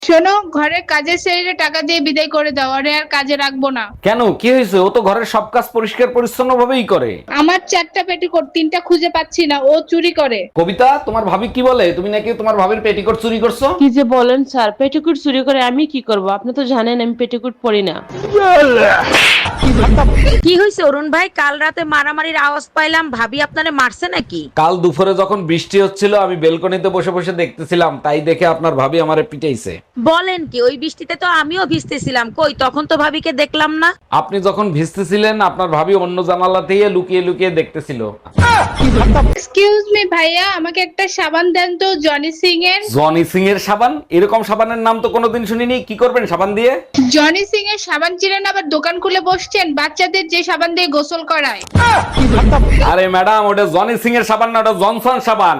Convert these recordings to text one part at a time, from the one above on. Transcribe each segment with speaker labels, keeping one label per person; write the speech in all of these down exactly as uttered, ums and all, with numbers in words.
Speaker 1: শোনো, ঘরের কাজের ছেলেরে টাকা দিয়ে বিদায় করে দাও, আরে আর কাজে রাখবো না।
Speaker 2: কেন, কি হয়েছে? ও তো ঘরের সব কাজ পরিষ্কার পরিচ্ছন্ন ভাবেই করে।
Speaker 1: আমার চারটা পেটিকোট, তিনটা খুঁজে পাচ্ছি না, ও চুরি করে।
Speaker 2: কবিতা, তোমার ভাবি কি বলে? তুমি নাকি তোমার ভাবির পেটিকোট চুরি করছো?
Speaker 3: কি যে বলেন স্যার, পেটিকুট চুরি করে আমি কি করব? আপনি তো জানেন আমি পেটিকুট পরি না।
Speaker 4: কি হয়েছে অরুণ ভাই? কাল রাতে মারামারির আওয়াজ পাইলাম, ভাবি আপনারে মারছে নাকি?
Speaker 2: কাল দুপুরে যখন বৃষ্টি হচ্ছিল আমি বেলকনিতে বসে বসে দেখতেছিলাম, তাই দেখে আপনার ভাবি আমারে পিটাইছে।
Speaker 4: বলেন কি? ওই বৃষ্টিতে তো আমিও ভিজতেছিলাম, কই তখন তো ভাবিকে দেখলাম না।
Speaker 2: আপনি যখন ভিজতেছিলেন আপনার ভাবি অন্য জানালা থেকে লুকিয়ে লুকিয়ে দেখতেছিল।
Speaker 1: এক্সকিউজ মি ভাইয়া, আমাকে একটা সাবান দেন তো, জনি সিং এর।
Speaker 2: জনি সিং এর সাবান? এরকম সাবানের নাম তো কোনোদিন শুনিনি। কি করবেন সাবান দিয়ে?
Speaker 1: জনি সিং এর সাবান চিনেন, আবার দোকান খুলে বসছেন বাচ্চাদের যে সাবান দিয়ে গোসল করায়।
Speaker 2: আরে ম্যাডাম, ওটা জনি সিং এর সাবান না, ওটা জনসন সাবান।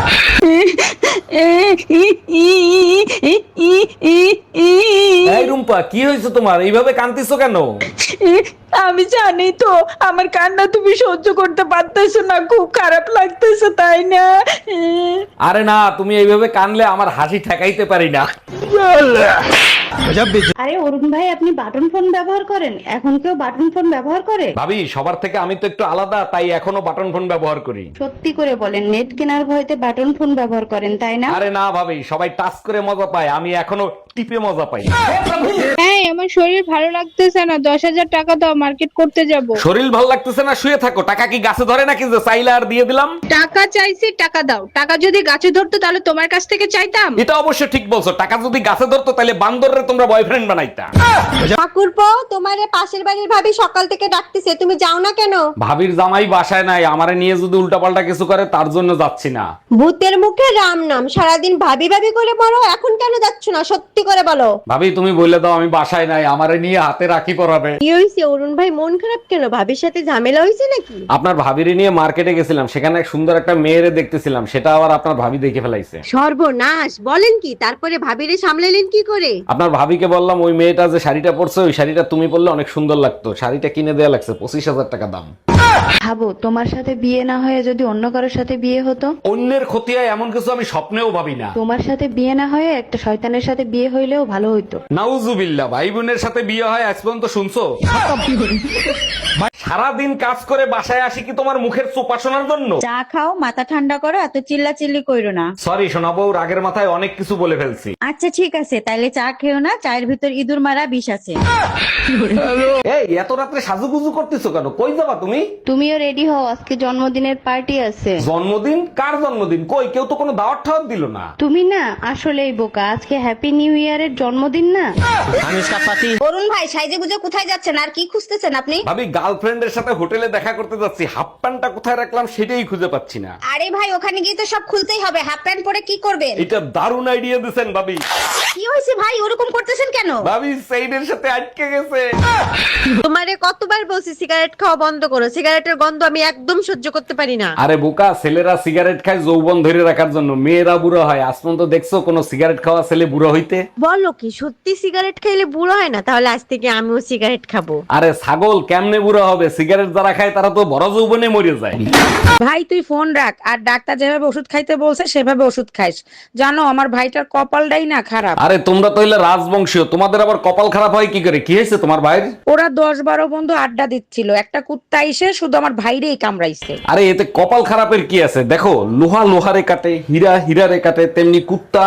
Speaker 2: এই রুম্পা, কি হয়েছে তোমার? এইভাবে কাঁদতেছো কেন?
Speaker 5: আমি জানি তো আমার কান্না তুমি সহ্য করতে পারতেছো না, খুব খারাপ লাগতেছে তাই না?
Speaker 2: আরে না, তুমি এইভাবে কানলে আমার হাসি ঠেকাইতে পারি না।
Speaker 6: আরে অরুণ ভাই, আপনি বাটন ফোন ব্যবহার করেন? এখন কেউ বাটন ফোন ব্যবহার করে?
Speaker 2: ভাবি, সবার থেকে আমি তো একটু আলাদা, তাই এখনো বাটন ফোন ব্যবহার করি।
Speaker 6: সত্যি করে বলেন, নেট কেনার ভয়তে বাটন ফোন ব্যবহার করেন তাই না?
Speaker 2: আরে না ভাবি, সবাই টাচ করে মজা পায়, আমি এখনো টিপে মজা পাই।
Speaker 1: হ্যাঁ, আমার শরীর ভালো লাগতেছে না, দশ হাজার টাকা দাও, মার্কেট করতে যাব।
Speaker 2: শরীর ভালো লাগতেছে না, শুয়ে থাকো। টাকা কি গাছে ধরে নাকি যে চাইলে আর দিয়ে দিলাম?
Speaker 1: টাকা চাইছি, টাকা দাও। টাকা যদি গাছে ধরতো তাহলে তোমার কাছ থেকে চাইতাম।
Speaker 2: এটা অবশ্য ঠিক বলছো, টাকা যদি গাছে ধরতো তাহলে বান্দররে তোমরা বয়ফ্রেন্ড বানাইতা।
Speaker 7: ঠাকুরপো, তোমারে পাশের বাড়ির ভাবি সকাল থেকে ডাকতেছে, তুমি যাও না কেন?
Speaker 2: ভাবির জামাই বাসায় নাই, আমারে নিয়ে যদি উল্টাপাল্টা কিছু করে তার জন্য যাচ্ছি না।
Speaker 7: ভূতের মুখে রাম নাম, সারাদিন ভাবি ভাবি করে বলো, এখন কেন যাচ্ছ না? সত্যি করে বলো।
Speaker 2: ভাবি, তুমি বলে দাও আমি বাসায় নাই, আমারে নিয়ে হাতে রাখি পরাবে।
Speaker 7: কি হয়েছে অরুণ ভাই, মন খারাপ কেন? ভাবির সাথে ঝামেলা হয়েছে নাকি?
Speaker 2: আপনার ভাবিরে নিয়ে মার্কেটে গেছিলাম, সেখানে এক সুন্দর একটা মেয়েরে দেখতেছিলাম, সেটা আবার আপনার ভাবি দেখে ফেলাইছে।
Speaker 7: সর্বনাশ, বলেন কি? তারপরে ভাবিরে সামলালেন কি করে?
Speaker 2: আপনার ভাবিকে বললাম ওই মেয়েটা যে শাড়িটা পরছে ওই শাড়িটা তুমি পরলে অনেক সুন্দর লাগতো। শাড়িটা কিনে দেয়া লাগছে পঁচিশ হাজার টাকা দাম।
Speaker 6: ভাবো, তোমার সাথে বিয়ে না হয়ে যদি অন্য কারোর সাথে বিয়ে হতো?
Speaker 2: অন্যের ক্ষতি হয় এমন কিছু আমি স্বপ্নেও ভাবি না।
Speaker 6: তোমার সাথে বিয়ে না হয়ে একটা শয়তানের সাথে বিয়ে হইলেও ভালো হইতো।
Speaker 2: নাউজুবিল্লাহ, ভাই বোনের সাথে বিয়ে হয় আজ পর্যন্ত শুনছো? সারাদিন কাজ করে বাসায় আসি কি তোমার মুখের চোপা শোনার জন্য?
Speaker 8: চা খাও, মাথা ঠান্ডা করো, এত চিল্লা চিল্লি কইরো না।
Speaker 2: সরি শোনাবো, রাগের মাথায় অনেক কিছু বলে ফেলছি।
Speaker 8: আচ্ছা ঠিক আছে, তাইলে চা খেও না, চায়ের ভিতর ইঁদুর মারা বিষ আছে।
Speaker 2: এই এত রাত্রে সাজুগুজু করতেছো কেন? কই যাবা তুমি?
Speaker 6: তুমিও রেডি হও, আজকে জন্মদিনের পার্টি আছে।
Speaker 2: জন্মদিন? কার জন্মদিন? কই, কেউ তো কোনো দাওয়াত ঠাওয়াত দিল না।
Speaker 6: তুমি না আসলেই বোকা, আজকে হ্যাপি নিউ ইয়ারের জন্মদিন না?
Speaker 7: অরুণ ভাই, সাইজে গুজে কোথায় যাচ্ছেন আর কি খুঁজতেছেন আপনি?
Speaker 2: ভাবি, গার্লফ্রেন্ডের সাথে হোটেলে দেখা করতে যাচ্ছি, হাফ প্যান্টটা কোথায় রাখলাম সেটাই খুঁজে পাচ্ছি না।
Speaker 7: আরে ভাই, ওখানে গিয়ে তো সব খুলতেই হবে, হাফ প্যান্ট পরে কি করবেন?
Speaker 2: এটা দারুণ আইডিয়া দিছেন ভাবি।
Speaker 7: কি হয়েছে ভাই, ওরকম করতেছেন কেন?
Speaker 2: ভাবি, সেইডের সাথে আটকে গেছে।
Speaker 4: তোমারে কতবার বলছি সিগারেট খাওয়া বন্ধ করো, সিগারেটের গন্ধ আমি একদম সহ্য করতে পারি না।
Speaker 2: আরে বোকা, ছেলেরা সিগারেট খায় যৌবন ধরে রাখার জন্য, মেয়েরা বুড়ো হয়। আজ পর্যন্ত দেখছো কোন সিগারেট খাওয়া ছেলে বুড়ো হইতে?
Speaker 4: বলো কি সত্যি সিগারেট খাইলে বুড়ো হয় না? তাহলে আজ থেকে আমিও সিগারেট খাবো।
Speaker 2: আরে ছাগল, কেমনে বুড়ো হবে? সিগারেট যারা খায় তারা তো বড় যৌবনে মরে যায়।
Speaker 4: ভাই তুই ফোন রাখ, আর ডাক্তার যেভাবে ওষুধ খাইতে বলছে সেভাবে ওষুধ খাইস। জানো আমার ভাইটার কপালটাই না খারাপ।
Speaker 2: আরে তোমরা তো হইলে রাজবংশীয়, তোমাদের আবার কপাল খারাপ হয় কি করে? কি হয়েছে তোমার ভাইয়ের?
Speaker 4: ওরা দশ বারো বন্ধু আড্ডা দিচ্ছিল, একটা কুত্তা এসে শুধু আমার ভাইরেই কামড়াইছে।
Speaker 2: আরে এতে কপাল খারাপের কি আছে? দেখো, লোহা লোহারে কাটে, হীরা হীরারে কাটে, তেমনি কুত্তা।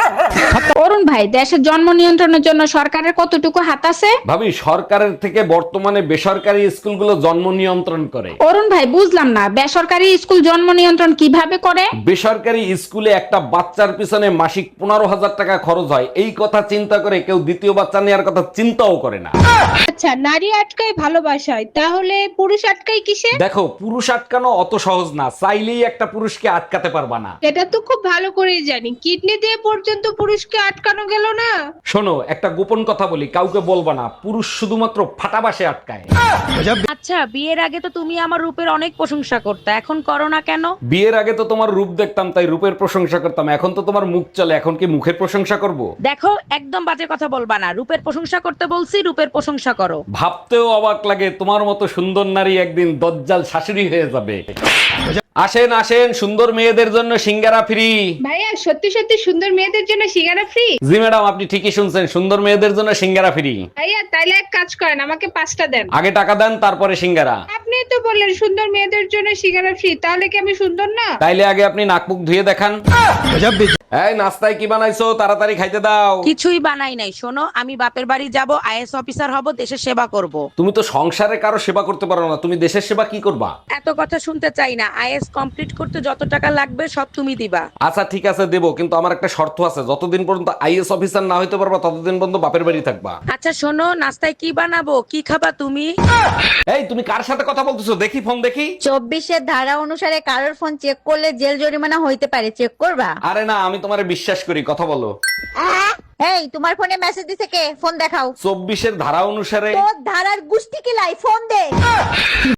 Speaker 1: অরুণ ভাই, দেশের জন্ম নিয়ন্ত্রণের জন্য সরকারের কতটুকু হাত আছে?
Speaker 2: ভাবি, সরকারের থেকে বর্তমানে বেসরকারি স্কুলগুলো জন্ম নিয়ন্ত্রণ করে।
Speaker 1: অরুণ ভাই, বুঝলাম না, বেসরকারি স্কুল জন্ম নিয়ন্ত্রণ কিভাবে করে?
Speaker 2: বেসরকারি স্কুলে একটা বাচ্চার পিছনে মাসিক পনেরো হাজার টাকা খরচ হয়, এই কথা চিন্তা করে কেউ দ্বিতীয় বাচ্চা নেওয়ার কথা চিন্তাও করে না।
Speaker 1: আচ্ছা, নারী আটকায় ভালোবাসায়, তাহলে পুরুষ আটকায় কিসে?
Speaker 2: দেখো, পুরুষ আটকানো অত সহজ না, চাইলেই একটা পুরুষকে আটকাতে পারবা না।
Speaker 1: এটা তো খুব ভালো করেই জানি, কিডনি দিয়ে পর্যন্ত পুরুষকে আটকানো গেল না।
Speaker 2: শোনো, একটা গোপন কথা বলি, কাউকে বলবা না, পুরুষ শুধুমাত্র ফাটাবাসে আটকায়।
Speaker 4: আচ্ছা, বিয়ের আগে তো তুমি আমার রূপের অনেক প্রশংসা করতে, এখন করো না কেন?
Speaker 2: বিয়ের আগে তো তোমার রূপ দেখতাম তাই রূপের প্রশংসা করতাম, এখন তো তোমার মুখ চলে, এখন কি মুখের প্রশংসা করব?
Speaker 4: দেখো, একদম বাজে কথা বলবা না, রূপের প্রশংসা করতে বলছি, রূপের প্রশংসা করো।
Speaker 2: ভাবতেও অবাক লাগে তোমার মতো সুন্দর নারী একদিন দজ্জাল শাশুড়ি হয়ে যাবে। আসেন আসেন, সুন্দর মেয়েদের জন্য সিঙ্গারা ফ্রি।
Speaker 1: ভাইয়া সত্যি সত্যি সুন্দর মেয়েদের জন্য সিঙ্গারা ফ্রি?
Speaker 2: জি ম্যাডাম, আপনি ঠিকই শুনছেন, সুন্দর মেয়েদের জন্য সিঙ্গারা ফ্রি।
Speaker 1: ভাইয়া তাইলে এক কাজ করেন, আমাকে পাঁচটা দেন।
Speaker 2: আগে টাকা দেন, তারপরে সিঙ্গারা।
Speaker 1: আপনি তো বললেন সুন্দর মেয়েদের জন্য সিঙ্গারা ফ্রি, তাহলে কি আমি সুন্দর না?
Speaker 2: তাইলে আগে আপনি নাক মুখ ধুয়ে দেখান। এই নাস্তায় কি বানাইছো, তাড়াতাড়ি খাইতে দাও।
Speaker 4: কিছুই বানাই নাই। শোনো, আমি বাপের বাড়ি যাব, আইএস অফিসার হব, দেশের সেবা করব।
Speaker 2: তুমি তো সংসারে কারো সেবা করতে পারো না, তুমি দেশের সেবা কি করবা?
Speaker 4: এত কথা শুনতে চাই না। আইএস কমপ্লিট করতে যত টাকা লাগবে সব তুমি দিবা।
Speaker 2: আচ্ছা ঠিক আছে দেবো, কিন্তু আমার একটা শর্ত আছে, যতদিন পর্যন্ত আইএস অফিসার না হইতে পারবা ততদিন পর্যন্ত বাপের বাড়ি থাকবা।
Speaker 4: আচ্ছা শোনো, নাস্তায় কি বানাবো, কি খাবা তুমি?
Speaker 2: এই তুমি কার সাথে কথা বলতেছো? দেখি ফোন দেখি।
Speaker 8: চব্বিশের ধারা অনুসারে কারোর ফোন চেক করলে জেল জরিমানা হইতে পারে, চেক করবা?
Speaker 2: আরে না, আমি তোমারে বিশ্বাস করি, কথা বলো।
Speaker 8: এই তোমার ফোনে মেসেজ দিছে কে? ফোন দেখাও।
Speaker 2: চব্বিশের ধারা অনুসারে
Speaker 8: তোর ধারার গুষ্টি কিলাই, ফোন দে।